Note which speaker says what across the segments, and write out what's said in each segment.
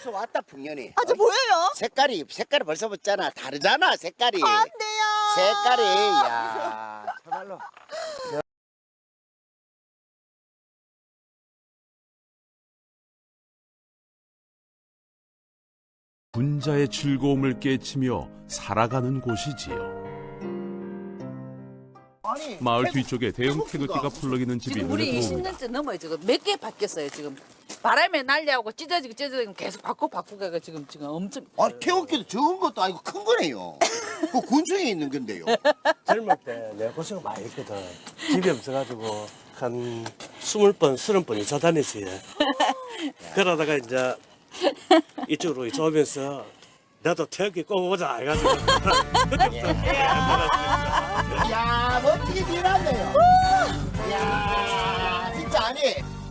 Speaker 1: 벌써 왔다 풍년이.
Speaker 2: 아, 저 보여요?
Speaker 1: 색깔이 벌써 봤잖아. 다르잖아 색깔이.
Speaker 2: 안 돼요.
Speaker 1: 색깔이 야 정말로.
Speaker 3: 군자의 즐거움을 깨치며 살아가는 곳이지요.
Speaker 1: 아니,
Speaker 3: 마을 뒤쪽에 대형 태극기가 풀러기는 집이
Speaker 4: 지금
Speaker 3: 눈에
Speaker 4: 우리
Speaker 3: 들어옵니다.
Speaker 4: 20년째 넘어요. 지금 몇 개 바뀌었어요. 지금 바람에 날려하고 찢어지고 계속 바꾸가 지금 엄청.
Speaker 1: 아 태극기도 적은 것도 아니고 큰 거네요. 그 군청에 있는 건데요.
Speaker 5: 젊을 때 내가 고생 많이 했거든. 집이 없어가지고 한 20번, 30번이 저다녔어요. 그러다가 이제 이쪽으로 이제 오면서 나도 태극기 꼽아보자 해가지고
Speaker 1: 야 멋지게 일하네요. 야 진짜 아니.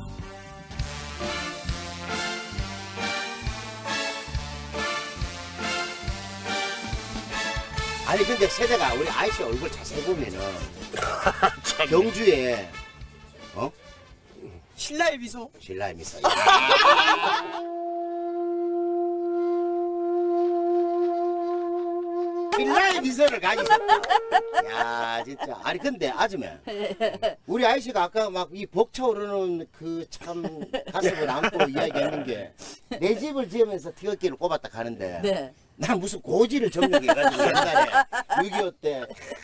Speaker 1: 아니 근데 세대가 우리 아이씨 얼굴 자세히 보면은 경주에
Speaker 2: 신라의 미소.
Speaker 1: 신라의 미소. 신라의 미소를 가지고 있었다. 야 진짜 아니 근데 아줌마 우리 아이씨가 아까 막 이 벅차오르는 그 참 가슴을 안고 이야기하는 게 내 집을 지으면서 태극기를 꼽았다 가는데
Speaker 4: 네.
Speaker 1: 난 무슨 고지를 점령해가지고 옛날에 6.25 때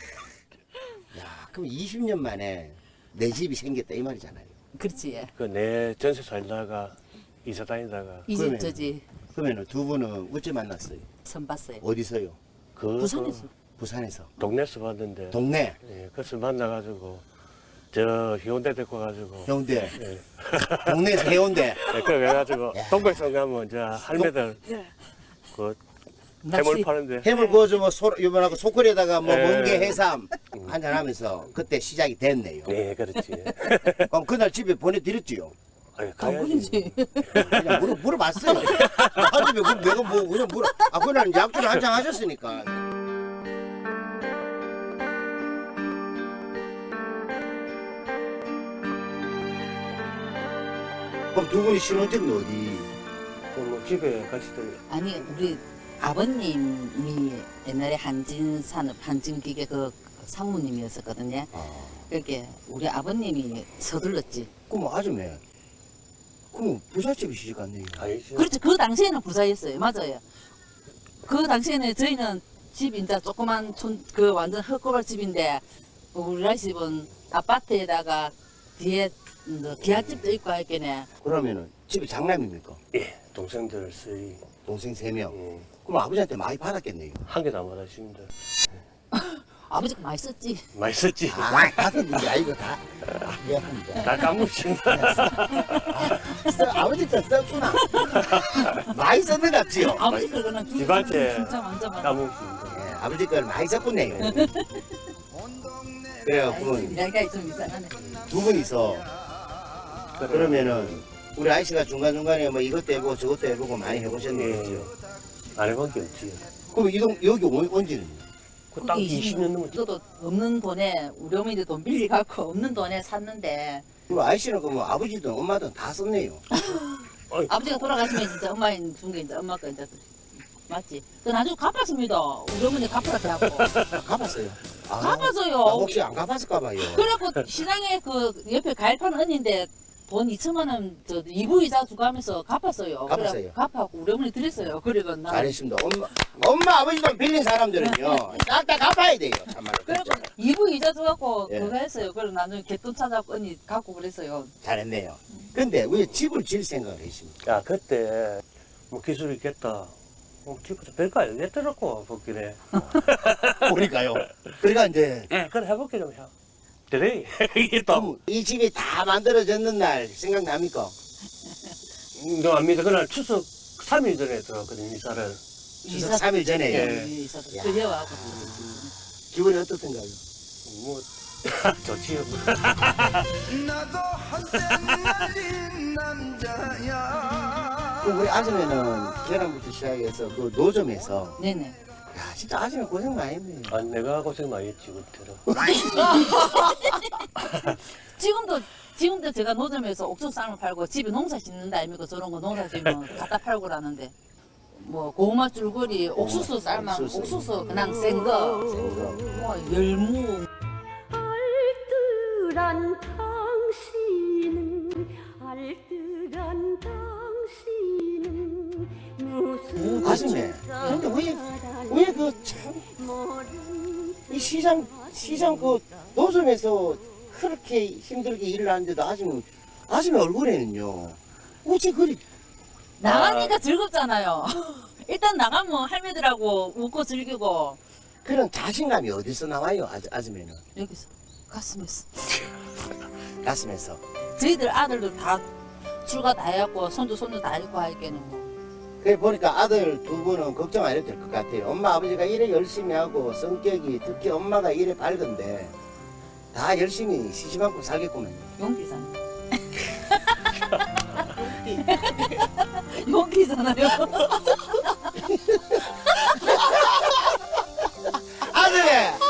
Speaker 1: 야 그럼 20년 만에 내 집이 생겼다 이 말이잖아요.
Speaker 4: 그렇지. 예.
Speaker 5: 그 내 전세 살다가 이사 다니다가
Speaker 4: 이 집
Speaker 1: 그러면-
Speaker 4: 저지
Speaker 1: 그러면은 두 분은 어째 만났어요?
Speaker 4: 선 봤어요.
Speaker 1: 어디서요?
Speaker 5: 그
Speaker 4: 부산에서.
Speaker 1: 부산에서.
Speaker 5: 동네에서 봤는데
Speaker 1: 동네
Speaker 5: 예, 그래서 만나가지고 저 해운대 데리고 가지고
Speaker 1: 해운대
Speaker 5: 예.
Speaker 1: 동네에서 해운대
Speaker 5: 그래가지고
Speaker 1: 야.
Speaker 5: 동백성 가면 이제 할매들 그 해물
Speaker 4: 낚시.
Speaker 5: 파는데
Speaker 1: 해물 구워서 뭐 요번하고 소쿠리에다가 뭐
Speaker 5: 예.
Speaker 1: 멍게 해삼 한잔하면서 그때 시작이 됐네요.
Speaker 5: 네 그렇지.
Speaker 1: 그럼 그날 집에 보내드렸지요.
Speaker 5: 아니, 가야지.
Speaker 4: 당근이지.
Speaker 1: 그냥 물어봤어요. 아집에 그럼 내가 뭐 그냥 그날 약주를 한잔 하셨으니까. 그럼 두 분이 신혼집은 어디?
Speaker 5: 뭐 집에 같이 들
Speaker 4: 아니 우리 아버님이 옛날에 한진산업 한진기계 그 상무님이었었거든요. 그렇게 우리 아버님이 서둘렀지.
Speaker 1: 그럼 아줌마 그럼 부잣집에 시집 갔네요.
Speaker 5: 아니지.
Speaker 4: 그렇지. 그 당시에는 부자였어요. 맞아요. 그 당시에는 저희는 집 이제 조그만 그 완전 헛고발 집인데 우리 아이 집은 아파트에다가 뒤에 기아집도 있고 할게네.
Speaker 1: 그러면은 집이 장남입니까?
Speaker 5: 예, 동생들 쓰이
Speaker 1: 동생 3명. 그럼 아버지한테 많이 받았겠네요.
Speaker 5: 한 개도 안 받았습니다.
Speaker 4: 아버지가 많이 썼지.
Speaker 5: 많이 썼지.
Speaker 1: 아, 받았는데 아이고 다. 아, 미안합니다.
Speaker 5: 다 까먹습니다.
Speaker 1: 아버지 거 썼구나. 많이 썼는 것 같지요?
Speaker 4: 아버지 그거는
Speaker 5: 집한테
Speaker 4: 진짜 완전 많이.
Speaker 5: 까먹습니다.
Speaker 1: 예, 아버지 걸 많이 썼군요. 그래갖고
Speaker 4: 이야기가 좀 이상하네.
Speaker 1: 두 분이서 그러면은 우리 아이씨가 중간중간에 뭐 이것도 해보고 저것도 해보고 많이 해보셨네요.
Speaker 5: 안 해본 게 없지.
Speaker 1: 그럼 여기 언제는?
Speaker 5: 그딱 20년 넘었지.
Speaker 4: 저도 없는 돈에 우리 어머니도 돈 빌려갖고 없는 돈에 샀는데
Speaker 1: 그럼 아이씨는 그럼 아버지든 엄마든 다 썼네요.
Speaker 4: 아버지가 돌아가시면 진짜 엄마 준 게 이제 엄마가 이제 맞지. 그 나중에 갚았습니다. 우리 어머니 갚으라 하고
Speaker 1: 갚았어요. 아,
Speaker 4: 갚았어요.
Speaker 1: 혹시 안 갚았을까봐요.
Speaker 4: 그래갖고 시장에 그 옆에 가입한 언니인데 돈 2천만 원 저 이부 이자 주고 하면서 갚았어요.
Speaker 1: 갚았어요?
Speaker 4: 그래 갚았고 우리 어머니 드렸어요. 그리고 나
Speaker 1: 잘했습니다. 엄마 아버지 돈 빌린 사람들은요 싹 다 갚아야 돼요. 참말로.
Speaker 4: 그래갖고
Speaker 1: 진짜.
Speaker 4: 이부 이자 줘갖고
Speaker 1: 예.
Speaker 4: 그거 했어요. 그리고 나중에 개돈 찾아갖고 언니 갖고 그랬어요.
Speaker 1: 잘했네요. 근데 왜 집을 지을 생각을 했습니까?
Speaker 5: 야, 그때 뭐 기술이 있겠다. 집부터 별거 알겠더라고, 복길에.
Speaker 1: 그러니까요. 그러니까 이제
Speaker 5: 예, 그래 해볼게 좀 해. 그래, 이게 또.
Speaker 1: 그럼 이 집이 다 만들어졌는 날 생각납니까?
Speaker 5: 너 압니다. 그날 추석 3일 전에 들어갔거든, 이사를.
Speaker 1: 추석 3일 전에요.
Speaker 5: 예.
Speaker 4: 이사도
Speaker 1: 야.
Speaker 4: 그려하고
Speaker 1: 기분이 어떻던가요?
Speaker 5: 뭐, 좋지요.
Speaker 6: 나도 한때 날린 남자야.
Speaker 1: 그럼 우리 아줌마는 계란부터 시작해서 그 노점에서
Speaker 4: 네네.
Speaker 1: 야 진짜 아줌마 고생 많이 했네.
Speaker 5: 아, 내가 고생 많이 했지 그때는.
Speaker 4: 지금도 제가 노점에서 옥수수 쌈을 팔고 집에 농사 짓는다 아닙니까? 저런 거 농사 지면 갖다 팔고 그러는데 뭐 고구마 줄거리, 옥수수 쌀만, 옥수수 그냥 센 거, 뭐 열무.
Speaker 2: 알뜰한 당신은 알뜰한 당신은 무슨
Speaker 1: 아줌마 근데 왜 그 참 이 시장 그 노점에서 그렇게 힘들게 일을 하는데도 아줌마 얼굴에는요 어째 그리
Speaker 4: 나가니까 즐겁잖아요. 일단 나가면 할매들하고 웃고 즐기고
Speaker 1: 그런 자신감이 어디서 나와요 아줌마는?
Speaker 4: 여기서 가슴에서
Speaker 1: 가슴에서.
Speaker 4: 저희들 아들들 다 출가 다 해갖고 손주 다 있고 하니까는 뭐
Speaker 1: 그래 보니까 아들 두 분은 걱정 안 해도 될 것 같아요. 엄마 아버지가 일에 열심히 하고 성격이 특히 엄마가 일에 밝은데 다 열심히 시시만큼 살겠구만.
Speaker 4: 용기잖아요. 용기잖아요.
Speaker 1: 아들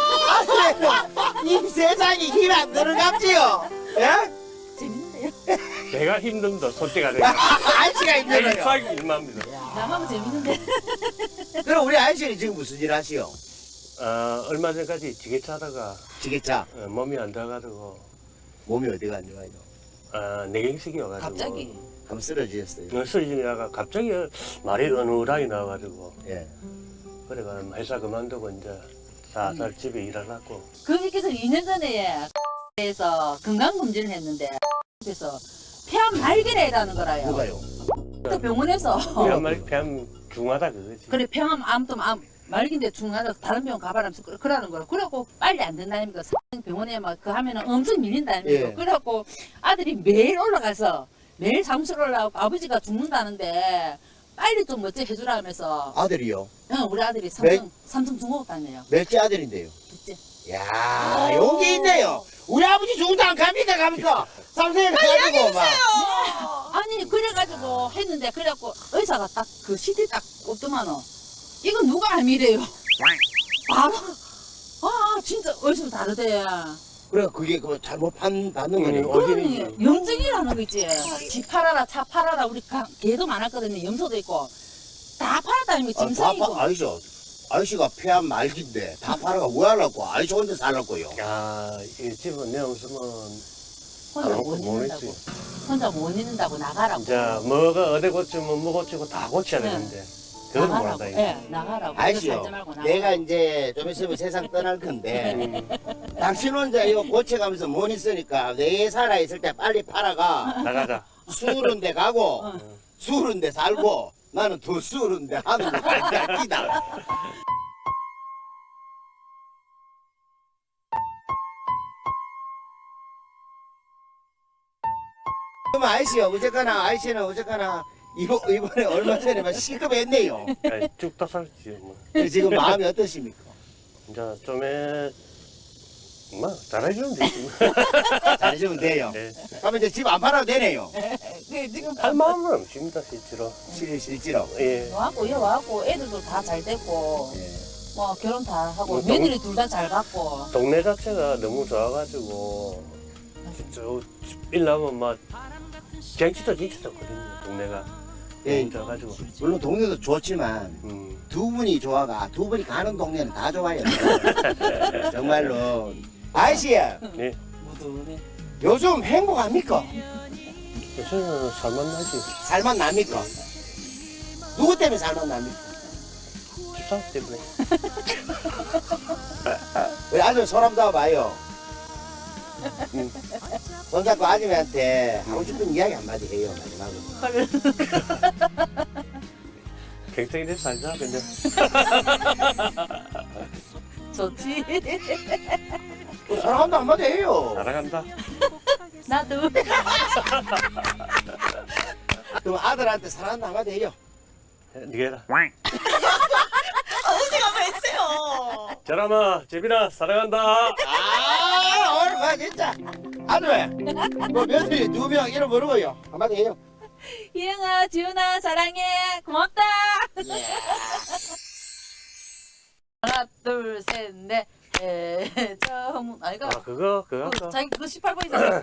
Speaker 1: 이 세상에 힘 안 들어갔지요? 예?
Speaker 4: 재밌는데요.
Speaker 5: 내가 힘든다 솔직히 내가.
Speaker 1: 아저씨가 힘들어요.
Speaker 5: 수학이 일만입니다.
Speaker 4: 나가면 재밌는데.
Speaker 1: 그럼 우리 아저씨는 지금 무슨 일 하시오?
Speaker 5: 얼마 전까지 지게차 하다가
Speaker 1: 지게차.
Speaker 5: 몸이 안 돼가지고
Speaker 1: 몸이 어디가 안 좋아요?
Speaker 5: 내경색이 와가지고
Speaker 4: 갑자기
Speaker 1: 한번 쓰러지셨어요.
Speaker 5: 쓰러지다가 갑자기 말이 어눌하게 나와가지고
Speaker 1: 예.
Speaker 5: 그래가 회사 그만두고 이제 살살 집에 일하려고.
Speaker 4: 거기께서 2년 전에 에서 건강검진을 했는데 그래서 폐암 말기를 해라는 거라요.
Speaker 1: 누가요?
Speaker 4: 그 병원에서
Speaker 5: 폐암 중하다 그거지.
Speaker 4: 그래 폐암 암도 말기인데 중하다 다른 병원 가봐라면서 그러는 거라. 그래갖고 빨리 안 된다니까 병원에 막 그 하면은 엄청 밀린다니까.
Speaker 1: 예.
Speaker 4: 그래갖고 아들이 매일 올라가서 매일 사무실 올라가고 아버지가 죽는다는데 빨리 좀 어째 해주라면서
Speaker 1: 아들이요?
Speaker 4: 우리 아들이
Speaker 1: 네?
Speaker 4: 삼성 중공업 다녀요.
Speaker 1: 몇째 아들인데요?
Speaker 4: 둘째.
Speaker 1: 야 용기 있네요. 우리 아버지 죽은다 안 갑니까 가면서 삼성에 가가지고 막.
Speaker 4: 아니 그래가지고 했는데 그래갖고 의사가 딱 그 CT 딱 꼽더만은 이거 누가 암이래요. 바로 진짜 의사 다르대.
Speaker 1: 그래 그게 그 잘못 받는 거네요.
Speaker 4: 그러니 염증이라는 거 있지. 집 팔아라 차 팔아라 우리 개도 많았거든요. 염소도 있고 다 팔았다니까 짐승이고.
Speaker 1: 아저씨가 폐암 말기인데 다 팔아가 왜 하려고? 아저씨 혼자 살라고요.
Speaker 5: 야, 이 집은 내 없으면
Speaker 4: 혼자 못
Speaker 5: 못
Speaker 4: 있는다고.
Speaker 5: 있지.
Speaker 4: 혼자 못 있는다고 나가라고.
Speaker 5: 이제 뭐가 어디 고치면 뭐 고치고 다 고쳐야
Speaker 4: 네.
Speaker 5: 되는데 그건
Speaker 4: 나가라고.
Speaker 5: 못한다.
Speaker 4: 예, 나가라고.
Speaker 1: 아저씨요.
Speaker 4: 살지 말고 나가.
Speaker 1: 내가 이제 좀 있으면 세상 떠날 건데 당신 혼자 이거 고쳐가면서 못 있으니까 내 살아있을 때 빨리 팔아가
Speaker 5: 나가자.
Speaker 1: 수으른 데 가고 수으른 데 살고 나는 더 수으른 데 하는 거 알기다. 그럼 아저씨는 어쨌거나 이번에 얼마 전에 막 시급했네요.
Speaker 5: 쭉다 살지 뭐.
Speaker 1: 지금 마음이 어떠십니까?
Speaker 5: 이제 좀에 뭐 잘해주면 되지. 뭐.
Speaker 1: 잘해주면 돼요.
Speaker 5: 네.
Speaker 1: 그러면 이제 집 안 팔아도 되네요.
Speaker 4: 지금
Speaker 5: 할 마음은 없습니다 실제로.
Speaker 1: 실제로.
Speaker 5: 예.
Speaker 4: 와갖고 애들도 다 잘 됐고
Speaker 1: 예.
Speaker 4: 뭐 결혼 다 하고
Speaker 5: 뭐
Speaker 4: 며느리 둘 다 잘 갖고
Speaker 5: 동네 자체가 너무 좋아가지고 진짜 일 나면 막 경치도 진짜 좋거든요. 동네가
Speaker 1: 예.
Speaker 5: 너무 좋아가지고.
Speaker 1: 물론 동네도 좋지만 두 분이 두 분이 가는 동네는 다 좋아요. 정말로. 아저씨,
Speaker 5: 예.
Speaker 4: 무드네.
Speaker 1: 요즘 행복합니까?
Speaker 5: 요새는 살만 나지.
Speaker 1: 살만 납니까? 누구 때문에 살만 납니까?
Speaker 5: 집사 때문에.
Speaker 1: 우리 아줌마 손 한번 잡아봐요. 손잡고 아줌마한테 하고 싶은 이야기 한마디 해요, 마지막으로.
Speaker 5: 갱생이 살자 그냥.
Speaker 4: 좋지.
Speaker 1: 사랑한다 한마디 해요.
Speaker 5: 살아간다.
Speaker 4: 나도.
Speaker 1: 그럼 아들한테 사랑한다 한마디 해요.
Speaker 5: 니가 해라. 저람아, 재빈아, 사랑한다.
Speaker 1: 아, 오늘 봐, 진짜. 아줌마, 뭐 며느리 2명 이름 모르고요. 한마디 해요.
Speaker 4: 이영아, 지훈아, 사랑해. 고맙다.
Speaker 1: 예.
Speaker 4: 하나 둘 셋 넷 해저문 아이가
Speaker 5: 아 그거 아까
Speaker 4: 자기 그거 18번이잖아.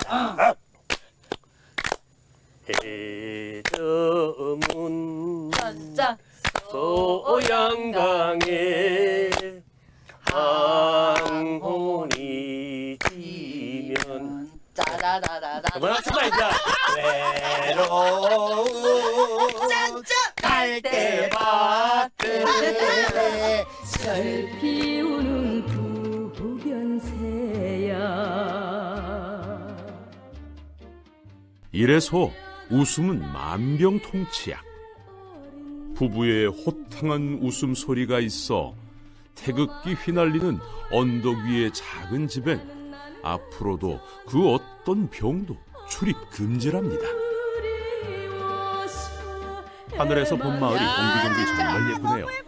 Speaker 5: 해저문
Speaker 4: 짠짠
Speaker 5: 소양강에 항혼이 지면
Speaker 4: 짜라라라라.
Speaker 5: 그만합시다 이제.
Speaker 1: 외로운 갈대밭에
Speaker 2: 절 피우는 부변새야
Speaker 3: 이래서 웃음은 만병통치약. 부부의 호탕한 웃음소리가 있어 태극기 휘날리는 언덕 위의 작은 집엔 앞으로도 그 어떤 병도 출입 금지랍니다. 하늘에서 본 마을이 옹기종기 정말 예쁘네요.